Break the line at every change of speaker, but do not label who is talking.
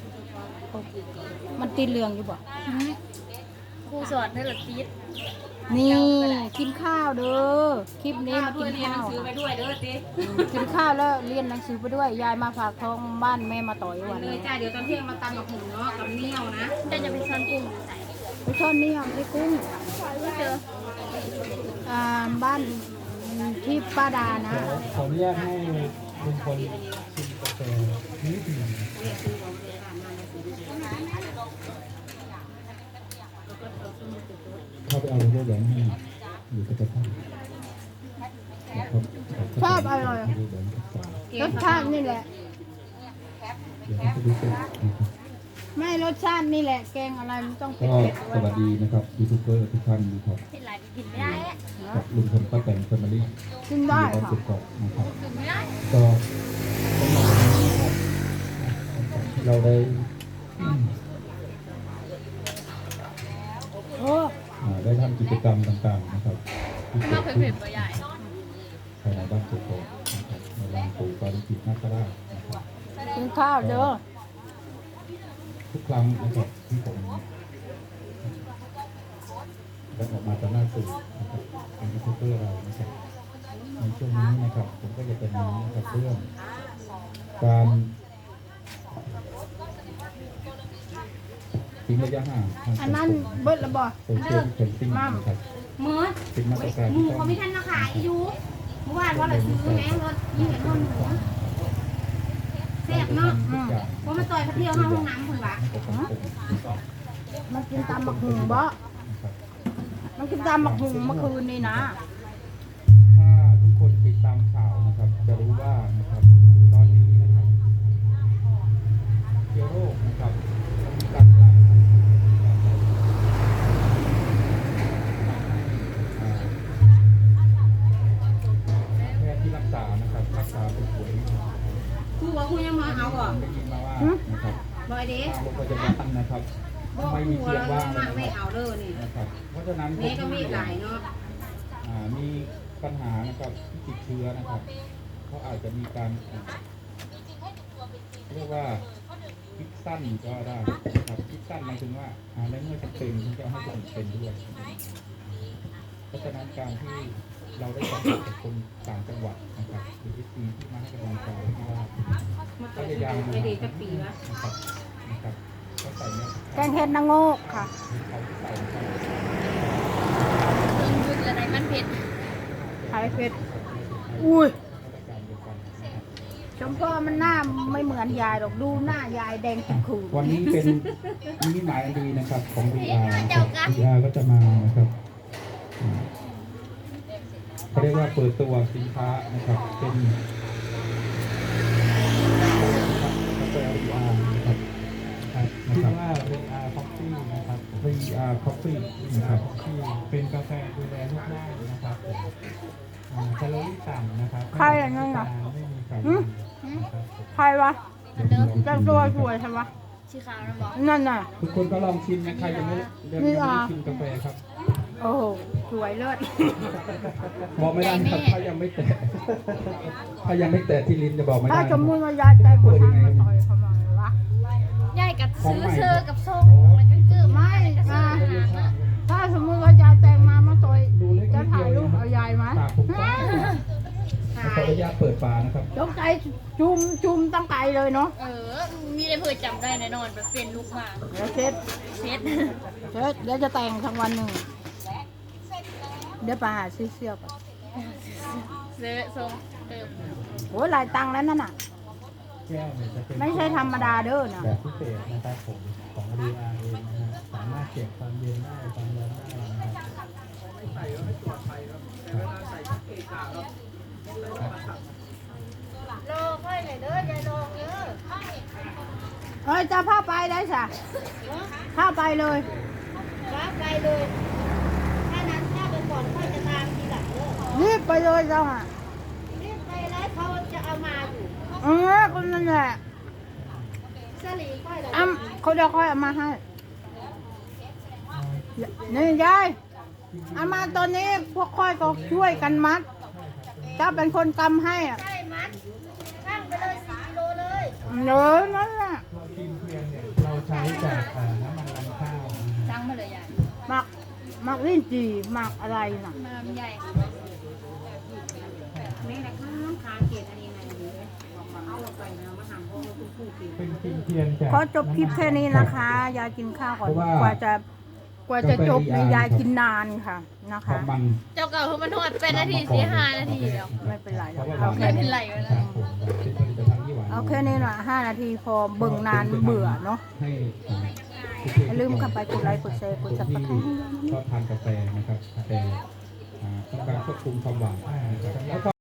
มันติดเหลืองอยู่บ่
ครูสอนให้ละติด
นี่กินข้าวเด้อคลิปนี้มากินข้าว
ซื้อไปด้วยเด้อติ
กินข้าวแล้วเรียนหนังสือไปด้วยยายมาฝากท้องบ้านแม่มาต่อยวัน
เลย
นี้
จ้าเดี๋ยวตอนเที่ยงมาตำกับหุ่นเนาะกับเนี่ยวนะ
แต่จะไปซ้อนกุ้งใส่
ไปช่อนนี่อ่ะไอ้กุ้ง
ไม่เจอ
บ้านที่ป้าดานะ
ขออนุญาตให้ลุงพลชิมกาแฟนิดหนึ่งเข้าไปเอาเรื่องแหวนให้อยู่กับท่าน
ชอบอร่อยรสชาตินี่แหละ
เดี๋ยวจะดูเสร็จ
ไม่รสชาตินี่แหละแกงอะไรมันต้องเผ็
ก็
ดๆ
สวัสดีนะครับยูทูบเบอร์ทุกท่านนะครับ
เป็นไรกินไม่ได้อะ
กับลุงพลป้าแตนแฟมิลี่
กินได้
บ้าน
ค่ะ
สุกเกาะนะครับ
กินไม่ได้
ก็สำหรับวันนี้นะครับเราได้
โอ้
ได้ทำกิจกรรมต่างๆนะครับที่
ข้าว
เกิด
เผ็
ขึ้
ด
น
ๆตัวใหญ่
ภายในบ้านสุกเกาะนะครับในลานปู่ปาริจิตนาคราชนะครับ
กินข้าวเด้อ
ทุกครั้งนะครับที่ผมได้ออกมาจากหน้าสื่อนะครับเป็นยูทูบเบอร์เรานะครับในช่วงนี้นะครับผมก็จะเป็นนะครับเรื่องการทิ้งระยะห่างทาง
อันนั้นเบิดละบ่
โซเชียลดิสแทนซิ่งนะครับ
มือ
เป็นมาตรการ
หมู
ที่ต้อง
เขาไม่ทันมาขายอยู่เมื่อวานว่าเราซื้อแม่รถยี่เห็นคนหมูแซ่บเนาะเพราะมาต่อยเขาเที่ยวห้องน้ำคนวะ
ให้กับสังคมนะครับ
มันกินตำบักหุ่งบ่มันกินตำบักหุ่งเมื่อคืนนี่นะ
ถ้าทุกคนติดตามข่าวนะครับ จะรู้ว่านะครับตอนนี้นะครับเชื้อโรคนะครับมีการกลายพันธุ์แพทย์ที่รักษานะครับรักษาผู้ป่วยนะครับ
คือว่าคุณยังมาเอาก่อน
ได้ยินมาว่านะครับ
บอยเด้
ทางโรงพยาบาลนะครับ
บอก
ไม่มี
หัว
เตียง
เรา
ว่างเล
มาย ไม่
นะครับ
เอาเด้อนี่
นะครับเพราะฉะนั้น
แม่ก็ไม่หลายเนาะ
มีปัญหานะครับที่ติดเชื้อนะครับเขาอาจจะมีการเรียกว่าคิดสั้นก็ได้นะครับคิดสั้นหมายถึงว่าในเมื่อจำเป็นที่จะให้คนอื่นเป็นด้วยเพราะฉะนั้นการที่เราได้สัมผัสกับคนต่างจังหวัดนะครับหรือที่ที่มาให้กำลังใจที่ว่าพยายามดู
ไม่ดีจะปีวะ
นะครับก็ใส่เนี่ย
แกงเห็ดนางโงกค่ะ
เขาใส่นะครับ
เครื่องยืดอะไรมันเผ็ด
ไข่เผ็ดอุ้ย
มาตรการเดียวกันนะครับ
ชมพ่อมันหน้าไม่เหมือนยายหรอกดูหน้ายายแดงขุ่นขุ่น
วันนี้เป็นนิมิตหมายอันดีนะครับของ VR นะครับ VR ก็จะมานะครับเขาเรียกว่าเปิดตัวสินค้านะครับเป็นกาแฟ VR นะครับชื่อว่า VR Coffee นะครับ VR Coffee นะครับที่เป็นกาแฟดูแลรูปร่างนะครับแคลอรี่ต่ำนะครับ
ใครอย่างนั้นอ่ะ
ไม่มีไขมันนะครับ
ใครวะแต่งตัวสวยใช่ไหม
ชีขาวนะบอก
นั่นน่ะ
ทุกคนก็ลองชิมนะใครยังไม่ชิมกาแฟครับ
โอ้โหสวยเลิศ
บอกไม่ได้ครับถ้ายังไม่แตะถ้ายังไม่แตะที่ลิ้นจะบอกไม่ได้
ถ้าสมมติว่ายายใจหมดทางมาต่อยเขาหน่อยวะ
ใหญ่กับซื้อเสื้อกับทรงแล้วก็เกือบ
ไม่
ก็ซื้อ
ถ้าสมมติว่ายายแต่งมาต่อย
ดูเล็ก
จะ
นิด
ถ่าย
เดี
รู
ยว
ปเอายายไหม
ปากผมกว้างขออนุญาตเปิดฝานะครับ
ยกใจจุ่มตั้งไกลเลยเนาะ
มีได้เพื่อจำได้แน่นอนแบบเป็นลูกหมา
เดี๋ยวเช็ด
เช็ด
เดี๋ยวจะแต่งทั้งวันหนึ่งเดี๋ยวไปหาซื้อเสื้อก่อน
เสื้อทรงเติม
โอ้ยหลายตังค์แล้วนั่นน่ะ
แก้วเนี่ยจะเป็น
ไม่ใช่ธรรมดาเด้อนะ
แบบพิเศษนะครับผมของ VR เองนะฮะสามารถเก็บความเย็นได้ความร้อนได้นะครับ
รอค่อยหน่อยเด้อยายลองเด้อ
เฮ้ยจะพาไปได้สะพาไปเลย
ว่าไปเลยถ้านั้นถ้าไปก่อนค่อยจะตามทีหลังเด้อ
รีบไปเลยเจ้าอ่ะ
รีบไปแล้วเขาจะเอามาอยู่
คนนั่นแหละ
สลีค่อยเลย
เขาเดี๋ยวค่อยเอามาให้นี่ยายเอามาตอนนี้พวกค่อยก็ช่วยกันมัดเจ้าเป็นคนกำให้อ่ะ
ใช่มัดช่างไปเลย4 กิโลเลย
เนื้อนั่นแหละ
ทีมเพียงเนี่ยช้จากน้ำมันรำข้าว
สั่งมาเลยยาย
หมักลิ้นจี่หมักอะไรน่ะ
มาใหญ่นี่แหละค้างเกียรติอันนี้ไงดีเลยเอาลงไปนะมาหั่นพวกคุณผู้กิน
เป็นกินเทียนจาก
ขอจบคลิปแค่นี้นะคะ ยายกินข้าวก่อนกว่าจะจบในยายกินนานค่ะนะคะ
มัน
เจ้าเก่าคือมันทอดเป็นนาที4-5 นาทีแล้ว
ไม่เป็นไรหรอก
เอาแค่เป็นไรวะนะ
เป็นผลิตภัณฑ์ที่หวาน
เอาแค่นี้หน่อย5 นาทีพอเบิ่งนานเบื่อเนาะ
ให้
อย่าลืมเข้าไปกดไลค์กดแชร์กดซับสไครต์
ชอบทานกาแฟนะครับกาแฟต้องการควบคุมความหวานนะครับ